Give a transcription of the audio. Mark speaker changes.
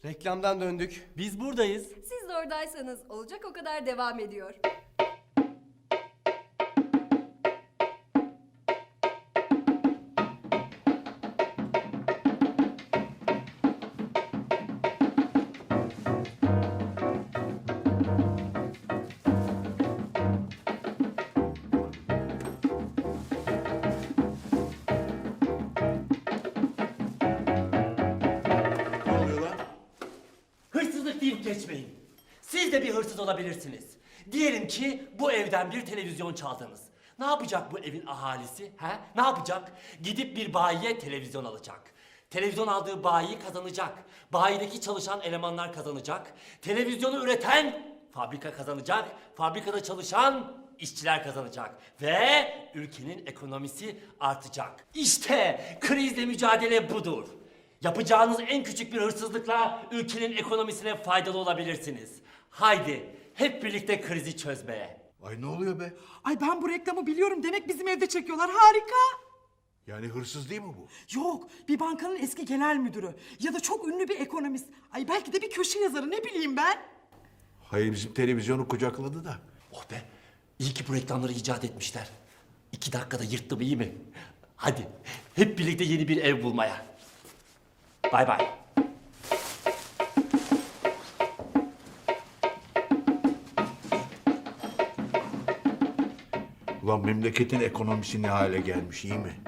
Speaker 1: Reklamdan döndük. Biz buradayız.
Speaker 2: Siz de oradaysanız olacak o kadar devam ediyor.
Speaker 3: Ne oluyor lan?
Speaker 4: Hırsızlık deyip geçmeyin. Siz de bir hırsız olabilirsiniz. Diyelim ki bu evden bir televizyon çaldınız. Ne yapacak bu evin ahalisi? He? Ne yapacak? Gidip bir bayiye televizyon alacak. Televizyon aldığı bayi kazanacak. Bayideki çalışan elemanlar kazanacak. Televizyonu üreten fabrika kazanacak. Fabrikada çalışan işçiler kazanacak. Ve ülkenin ekonomisi artacak. İşte krizle mücadele budur. Yapacağınız en küçük bir hırsızlıkla ülkenin ekonomisine faydalı olabilirsiniz. Haydi hep birlikte krizi çözmeye.
Speaker 3: Ay ne oluyor be?
Speaker 5: Ay ben bu reklamı biliyorum. Demek bizim evde çekiyorlar. Harika.
Speaker 3: Yani hırsız değil mi bu?
Speaker 5: Yok, bir bankanın eski genel müdürü ya da çok ünlü bir ekonomist. Ay belki de bir köşe yazarı, ne bileyim ben.
Speaker 3: Hayır, bizim televizyonu kucakladı da.
Speaker 4: Oh be, iyi ki bu reklamları icat etmişler. 2 dakikada yırttım, iyi mi? Hadi hep birlikte yeni bir ev bulmaya. Bay bay.
Speaker 3: Ulan memleketin ekonomisi ne hale gelmiş, iyi mi?